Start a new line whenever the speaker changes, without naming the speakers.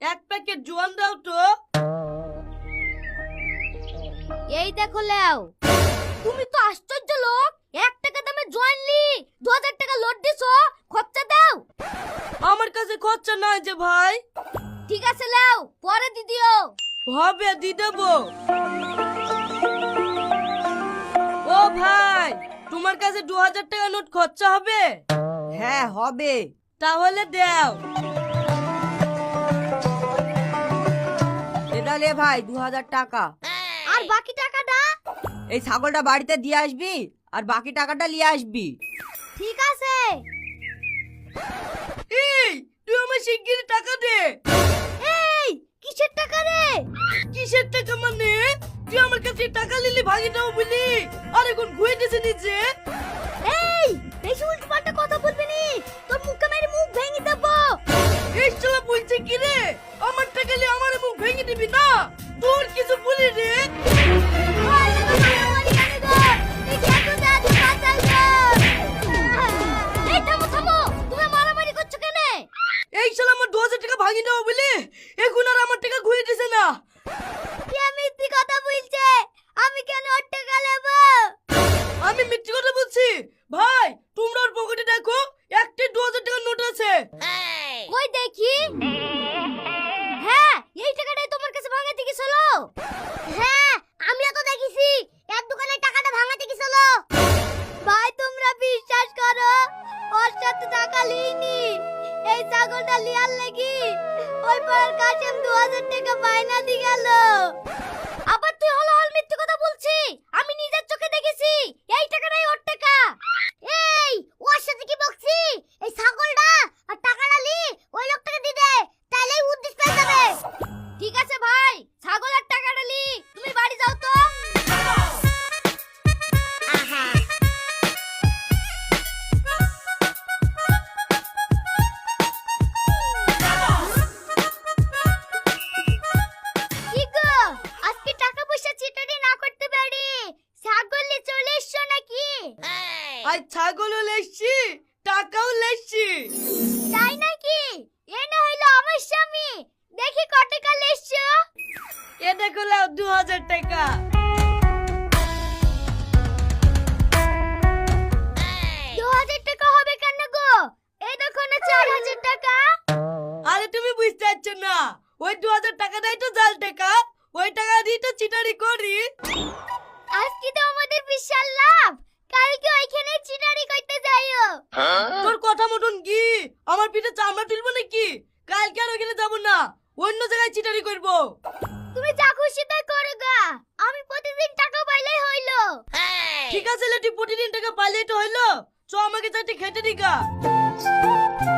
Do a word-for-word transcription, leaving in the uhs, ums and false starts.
এক প্যাকেট জোয়ান দাও তো।
এই দেখো লেও, তুমি তো আশ্চর্য লোক। এক টাকা দামে জোয়ান লি দু হাজার টাকা লোড দিছো, খরচা দাও।
আমার কাছে খরচা নাই যে ভাই।
ঠিক আছে লেও, পরে দি দিও।
হবে দি দেবো। ও ভাই, তোমার কাছে দু হাজার টাকা নোট খরচা হবে?
হ্যাঁ হবে।
তাহলে দাও।
এটা লে ভাই দু হাজার টাকা।
আর বাকি টাকাটা?
এই ছাগলটা বাড়িতে দিয়ে আসবি আর বাকি টাকাটা নিয়ে আসবি।
ঠিক আছে।
এই তুই আমার শিগগিরই টাকা দে।
এই কিসের টাকা রে?
কিসের টাকা মানে? তুই আমার কাছে টাকা নিলি ভাগি দাও বলি, আর এখন ঘুরে দিছে নিচে।
এই বেশি উল্টোপাল্টা কথা বলবি নি, তোর মুখে মেরে মুখ ভেঙে দেবো।
এই শালা বলছে কি রে? আমার টাকা নিয়ে আমার মুখ ভেঙে দিবি না? তোর কিছু বলি রে?
ওই দেখো মারামারি কেন গো? এই খেতো দে আজ বাঁচাই গো। এই থামো থামো, তুমি মারামারি করছো কেন?
এই শালা আমার দু হাজার টাকা ভাগি দাও বলি, এখন আর আমার টাকা ঘুরে দিছে না।
কে মিথ্যে কথা বলছে? আমি কেন ওর টাকা নেব?
আমি মিথ্যে কথা বলছি? ভাই তোমরা ওর পকেটে দেখো, একটা দু হাজার টাকার নোট আছে।
কই দেখি। হ্যাঁ, এই টাকাটাই তোমার কাছে ভাঙাতে গেছিল। হ্যাঁ, আমিও তো দেখেছি এক দোকানে টাকাটা ভাঙাতে গেছিল। ভাই তোমরা বিশ্বাস করো, ওর সাথে টাকা লিনি। এই ছাগলটা লিয়ার লাগি ওই পাড়ার কাশেম দু হাজার টাকা বায়না দি গেল। আবার তুই হলো হল মিথ্যে কথা বলছি। আমি নিজের চোখে দেখেছি এই টাকাটাই ওর টাকা। এই ওর সাথে কি বকছি? এই ছাগলটা আর টাকাটা লি ওই লোকটাকে দি দে, তাহলেই উদ্দেশ্য পেয়ে যাবে। ঠিক আছে ভাই, ছাগল আর টাকাটা লি, তুমি বাড়ি যাও তো। আহা কি গো, আজকে টাকা পয়সা চিটারি না করতে পারি, ছাগল নিয়ে চলে এসছো নাকি?
আর ছাগলও লেসছি, টাকাও লেসছি।
তাই নাকি? এ না হইলো আমার স্বামী। দেখি কত টাকা লেসছো।
এ দেখো লাও দু হাজার টাকা।
দু হাজার টাকা হবে কেন গো? এই দেখো না চার হাজার টাকা।
আরে তুমি বুঝতে পারছো না, ওই দু হাজার টাকাটাই তো জাল টাকা, ওই টাকা দিয়ে তো চিটারি করি।
আজকে তো আমাদের বিশাল লাভ, কালকে ওইখানে চিটারি করতে যাইও।
তোর কথা মতন কি আমার পিঠে চামড়া তুলবো নাকি? কালকে আর ওখানে যাবো না, অন্য জায়গায় চিটারি করবো।
তুমি যা খুশি তাই করো গা, আমি প্রতিদিন টাকা পাইলেই হইলো।
ঠিক আছে লে, তুই প্রতিদিন টাকা পাইলেই তো হইলো। চ আমাকে চারটি খেতে দিগা।